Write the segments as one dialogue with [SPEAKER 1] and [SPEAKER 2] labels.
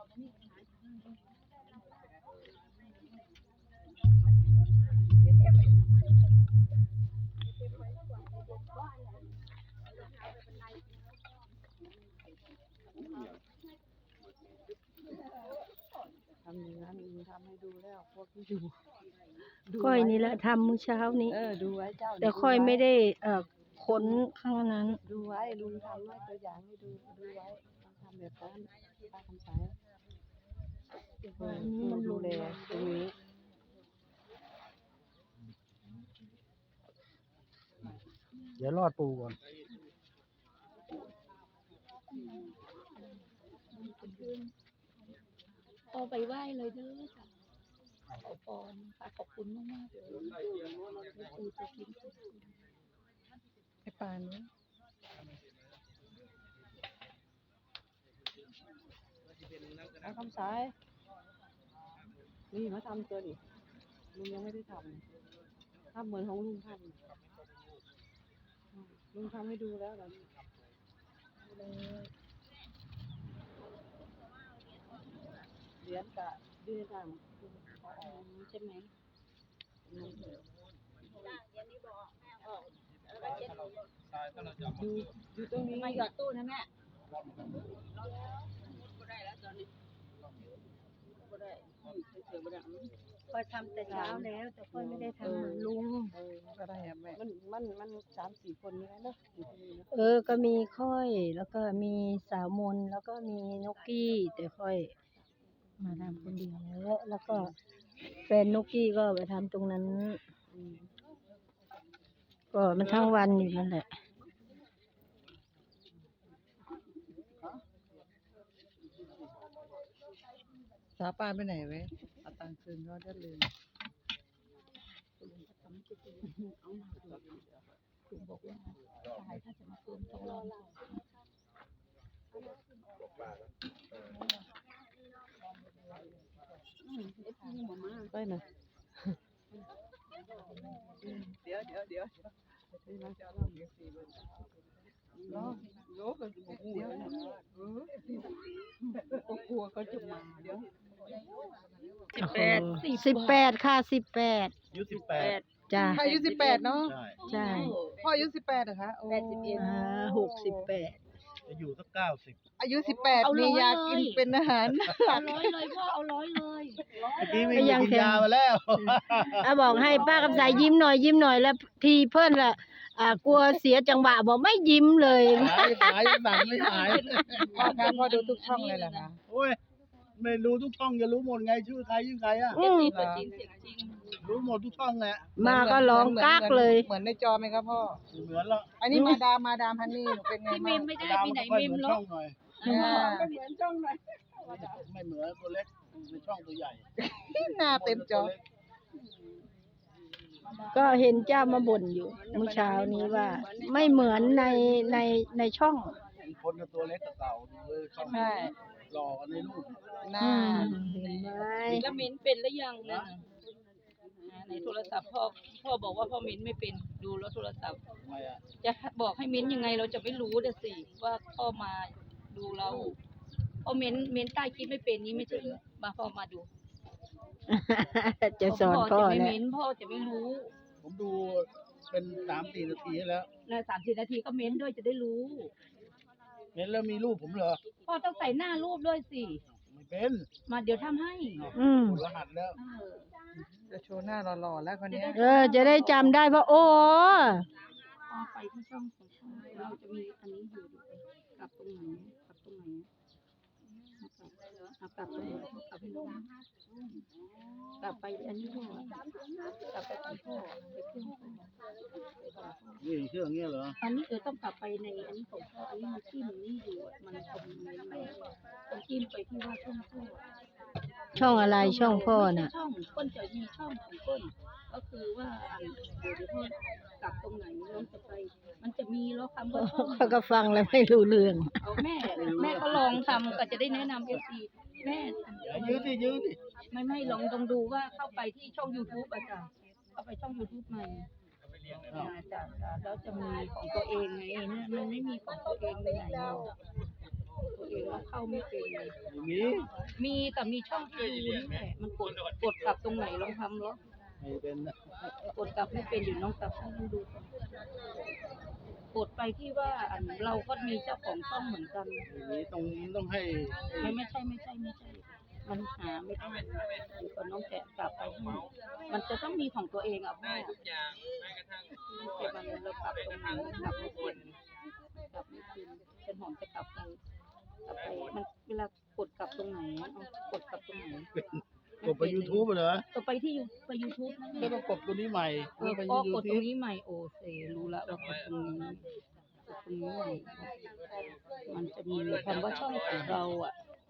[SPEAKER 1] ทำอย่างนั้นทำให้ดูแล้วพวกที่ดู
[SPEAKER 2] ค่อยนี่แหละทำมื้อเช้านี้
[SPEAKER 1] ดูไว้เจ้า
[SPEAKER 2] แต่ค่อยไม่ได้ค้นข้างนั้น
[SPEAKER 1] ดูไว้ลุงทำไว้ตัวอย่างให้ดูไว้ทำแบบนั้นป้าคำสายมันดูแลตรงนี้
[SPEAKER 3] เดี๋ยวรอดปูก่อน
[SPEAKER 4] พอไปไหว้เลยเด้อค่ะขอพรค่ะขอบคุณมากๆเลยคือจะกิน
[SPEAKER 1] ไอ้ปานนี้ป้าคำสายนี่มาทำตัวดิลุงยังไม่ได้ทำเหมือนของลุงทำลุงทำให้ดูแล้วเหรอเหรียญกะดื้อทำใช่ไหมอยู่ตรงนี้
[SPEAKER 4] มาหยอดตู้นะแม่ค่อยทำแต่เช้าแล้วแต่ค่อยไม่ได้ทำลุง
[SPEAKER 1] ก็ได้แม่มัน3-4 คนนี่แหละเนาะ
[SPEAKER 2] ก็มีค่อยแล้วก็มีสาวมนแล้วก็มีนกกี้แต่ค่อยมาทำคนเดียวแล้วก็แฟนนกกี้ก็ไปทำตรงนั้นก็มันทั้งวันอยู่นั่นแหละ
[SPEAKER 1] สาปานไปไหนเว้ยเอาตังค์คืนก็ได้ลืม
[SPEAKER 4] คุณบอกว่าตายถ้าจะมาเพิ่มต้องรอเรา
[SPEAKER 1] ไปหน่อยเดี๋ยวล้อกันหัวก็กลัวเขาจะมาเดี๋ยว
[SPEAKER 2] 18ค่ะ18
[SPEAKER 3] อายุ18
[SPEAKER 2] จ้ะ
[SPEAKER 1] อายุ18เนาะ
[SPEAKER 2] ใช่
[SPEAKER 1] พ่ออายุ18เหรอคะ
[SPEAKER 2] 68
[SPEAKER 3] จะอยู่สัก90
[SPEAKER 1] อายุ18มียากินเป็นอาหาร
[SPEAKER 4] เอา100เลยพ่อเอา100เลย
[SPEAKER 3] เมื่อกี้วิ่งกินยามาแล้ว
[SPEAKER 2] บอกให้ป้ากำไสยิ้มหน่อยแล้วทีเพิ่นล่ะกลัวเสียจังหวะบอกไม่ยิ้มเลย
[SPEAKER 3] หายสั่งไม่หาย
[SPEAKER 1] พ่อดูทุกช่องเลยเหรอคะ
[SPEAKER 3] โอ้ยไม่รู้ทุกช่องจะรู้หมดไงชื่อใครอ่ะรู้หมดทุกช่องแหละ
[SPEAKER 2] มาก็ร้องกากเลย
[SPEAKER 1] เหมือนในจอไหมครับพ่อ
[SPEAKER 3] เหมือนละ
[SPEAKER 1] อันนี้มาดามฮันนี่เป็นไง
[SPEAKER 4] บ้างไม่ได้ไปไหนมิมหรอก
[SPEAKER 3] ไม่เหมือนช่องหน่อยไม่เหมือนตัวเล็กในช่องตัวใหญ่
[SPEAKER 1] หน้าเต็มจอ
[SPEAKER 2] ก็เห็นเจ้ามาบ่นอยู่เมื่อเช้านี้ว่าไม่เหมือนในช่อง
[SPEAKER 3] คนกับตัวเล็กกับเต่าช่องหล่อกันในรูป
[SPEAKER 1] หน้า
[SPEAKER 2] เห็นไหม
[SPEAKER 4] แล้วมิ้นเป็นหรือยังนะในโทรศัพท์พ่อบอกว่าพ่อมิ้นไม่เป็นดูแล้วโทรศัพท์จะบอกให้มิ้นยังไงเราจะไม่รู้เด้อสิว่าพ่อมาดูเราพ่อมิ้นใต้คลิปไม่เป็นนี้ไม่ใช่เหรอมาพ่อมาดู
[SPEAKER 2] จะสอนพ่อ
[SPEAKER 4] แหละพ่อจะไม่รู้
[SPEAKER 3] ผมดูเป็น3-4 นาทีแล้ว
[SPEAKER 4] นะ3-4 นาทีก็เม้นด้วยจะได้รู้
[SPEAKER 3] เม้นแล้วมีรูปผมเหรอ
[SPEAKER 4] พ่อต้องใส่หน้ารูปด้วยสิ
[SPEAKER 3] ไม่เป็น
[SPEAKER 4] มาเดี๋ยวทำให้
[SPEAKER 3] รหัสแล้ว
[SPEAKER 1] จะโชว์หน้าหล่อๆแล้วคนนี้
[SPEAKER 2] จะได้จำได้ว่าโอ้
[SPEAKER 4] ไปที่ช่องของช่องเราจะมีอันนี้อยู่กลับตรงไหนกลับตรงไหนกลับไปลงกลับไปอันนี้พ่อกลับไปที่พ่อไปเครื่อง
[SPEAKER 3] นี่เครื่องเงี้ยเหรอ
[SPEAKER 4] อันนี้ต้องกลับไปในอันนี้ของพ่ออันนี้มันที่มันนี่อยู่มันคงต้องจิ้มไปที่ว่า
[SPEAKER 2] ช่องอะไรช่องพ่อน่ะ
[SPEAKER 4] ช่องก้นจะมีช่องของก้นก็คือว่าเดี๋ยวพ่อกลับตรงไหนเราจะไปมันจะมีแล้วคำว่าช่อง
[SPEAKER 2] เขาก็ฟังแล้วไม่รู้เรื่อง
[SPEAKER 4] เอาแม่ก็ลองทำก็จะได้แนะนำFCแม่
[SPEAKER 3] ยืดดิ
[SPEAKER 4] ไม่ลองดูว่าเข้าไปที่ช่อง YouTube อาจารย์เข้าไปช่อง YouTube ใหม่แล้วจะมีของตัวเองไงมันไม่มีของตัวเองไปไหนตัวเองแล้วเข้าไม่เป็น
[SPEAKER 3] มี
[SPEAKER 4] มีแต่มีช่องที่ดูนี่แหละมันกดกลับตรงไหนลองทำแล้ว
[SPEAKER 3] ไม่เป็นนะ
[SPEAKER 4] กดกลับไม่เป็นอยู่น้องกลับให้มันดูก่อนกดไปที่ว่าเราก็มีเจ้าของช่องเหมือนกัน
[SPEAKER 3] มีต้องให้
[SPEAKER 4] ไม่ใช่ มันหาไม่ได้เดี๋ยวก่อนน้องแกะกลับไปให้มันจะต้องมีของตัวเองอ่ะพ่อแต่มันเรากลับตรงไหนกลับไม่เป็นเป็นหอมจะกลับไปมันเวลากดกลับตรงไหนกดกลับตรงไหน
[SPEAKER 3] กดไป YouTube เหรอ
[SPEAKER 4] กดไปที่ไป YouTube นั่น
[SPEAKER 3] ก็
[SPEAKER 4] แห
[SPEAKER 3] ต้อ
[SPEAKER 4] ละ
[SPEAKER 3] งกดตัวนี้ใหม่
[SPEAKER 4] ก็
[SPEAKER 3] ไป
[SPEAKER 4] กดตรง
[SPEAKER 3] YouTube
[SPEAKER 4] นี้ใหม่โอเซรู้ละว่ากดตรงนี้ใหม่มันจะมีคำว่าช่องของเราอ่ะ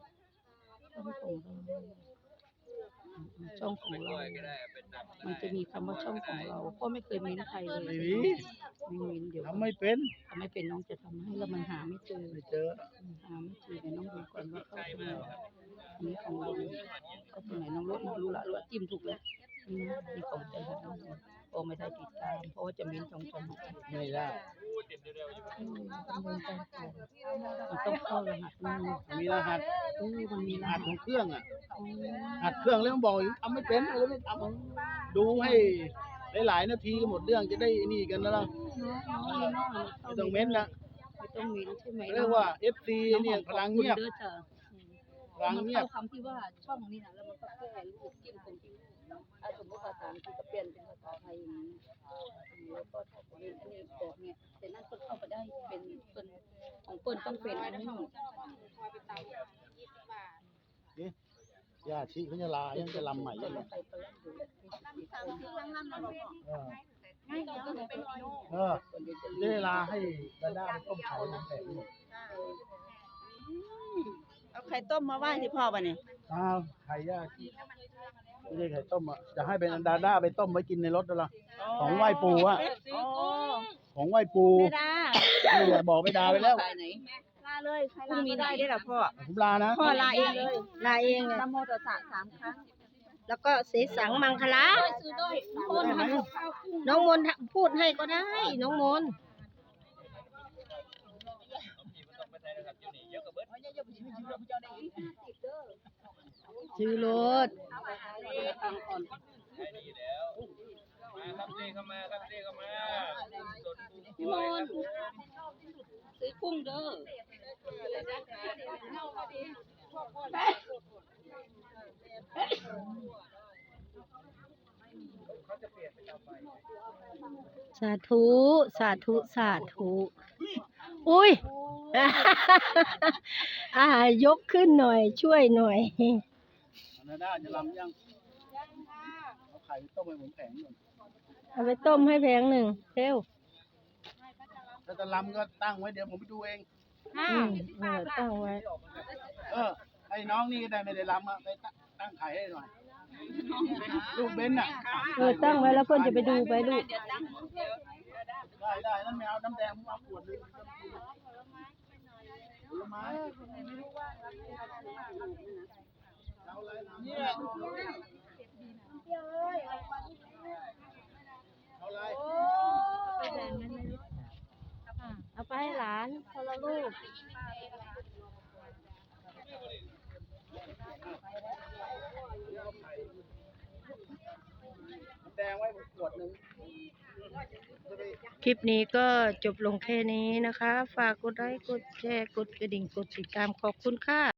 [SPEAKER 4] ช่องของเรามันจะมีคำว่าช่องของเราก็ไม่เคยเม้นใครเลย
[SPEAKER 3] ไม่มี
[SPEAKER 4] ไม่เม้นเดี๋ยว
[SPEAKER 3] ทำไม่เป็น
[SPEAKER 4] ทำไม่เป็นน้องจะทำให้แล้วมันหาไม่เจอ
[SPEAKER 3] ไม่เจอ
[SPEAKER 4] หาไม่เจอเดี๋ยวน้องดูก่อนว่าเข้าตรงไหนอันนี้ของเราเข้าตรงไหนน้องรู้ละจิ้มถูกแล้วนี่ของใจค่ะน้องโอ้ไม่ได้ติดตามเพราะว่าจะเม้นช่องช่อง
[SPEAKER 3] ไม่ได้
[SPEAKER 4] มันต้องเข้ารหัสมัน
[SPEAKER 3] มีรหัส
[SPEAKER 4] มันมีร
[SPEAKER 3] รหั
[SPEAKER 4] หั
[SPEAKER 3] ส
[SPEAKER 4] ส
[SPEAKER 3] ของเครื่องอ่ะหัดเครื่องแล้วมันบอกอยู่ทำไม่เป็นอะไรไม่ทำดูให้หลายๆนาทีก็หมดเรื่องจะได้นี่กันแล้วล่ะไม่ต้องเม้นละ
[SPEAKER 4] ไม่ต้องเม้นใช่ไหม
[SPEAKER 3] เรียกว่า FC เนี่ยพลังเงียบ พลัง
[SPEAKER 4] มัน
[SPEAKER 3] เงียบ
[SPEAKER 4] เข้าคำที่ว่าช่องนี่นะแล้วมันก็แก้รูปจิ้มตรงที่สมมติภาษาอังกฤษก็เปลี่ยนเป็นภาษาไทยอย่างนี้แล้วก็ถ้าของอันนี้แบบเนี้ยแต่นั่นก็เข้าไปได้เป็นของเปิ้ลต้องเป็นอันนี้
[SPEAKER 3] ญาติชิเขาจะลายังจะลำใหม่ยังไงได้ลาให้ดาด้าไปต้มไข่น้ำแข็งหมด
[SPEAKER 5] เอาไข่ต้มมาไหว้ที่พ่อป่ะเนี่ย
[SPEAKER 3] อ้าวไข่ญาติไม่ได้ไข่ต้มอ่ะจะให้เป็นดาด้าไปต้มไว้กินในรถแล้วล่ะของไหว้ปู่อ่ะ
[SPEAKER 5] โอ้
[SPEAKER 3] ของไหว้ปู่
[SPEAKER 5] ไม่ได้
[SPEAKER 3] นี่แหละบอกไม่ดาไปแล้ว
[SPEAKER 5] ลาเลยใครลาไม่ได้ได้หรอพ่อ
[SPEAKER 3] ผมลานะ
[SPEAKER 5] พ่อลาเองเลย
[SPEAKER 2] ลาเองเลย
[SPEAKER 5] นะโมตัสสะ3 ครั้ง
[SPEAKER 2] แล้วก็เสสังมังคละน้องมนต์พูดให้ก็ได้ น้องมนต์ชื่อรถ
[SPEAKER 4] พี่มนต์ซื้อกุ้งเด้อ
[SPEAKER 2] สาธุ สาธุ สาธุ อุ้ย ยกขึ้นหน่อย ช่วยหน่อย
[SPEAKER 3] ดาด้าจะลำยังเอาไข่ไปต้มให้ผมแข็งหน่อย
[SPEAKER 2] เอาไปต้มให้แพงหนึ่งเร็ว
[SPEAKER 3] ถ้าจะลำก็ตั้งไว้เดี๋ยวผมไปดูเอง
[SPEAKER 2] ตั้งไว้
[SPEAKER 3] ไอ้น้องนี่ก็ได้ไม่ได้ลำอ่ะไปตั้งไข่ให้หน่อยลูกเบนน่ะ
[SPEAKER 2] ตั้งไว้แล้วเพื่อนจะไปดูไปลูก
[SPEAKER 3] ได้นั่นไม่เอาน้ำแดงผมเอาขวดนึงผลไม้เอาอะไรเนี่ยเอาอะไร
[SPEAKER 2] เอาไปให้หลานคนละลูก
[SPEAKER 3] น้ำแดงไว้ขวดนึง
[SPEAKER 2] คลิปนี้ก็จบลงแค่นี้นะคะ ฝากกดไลค์ กดแชร์ กดกระดิ่ง กดติดตาม ขอบคุณค่ะ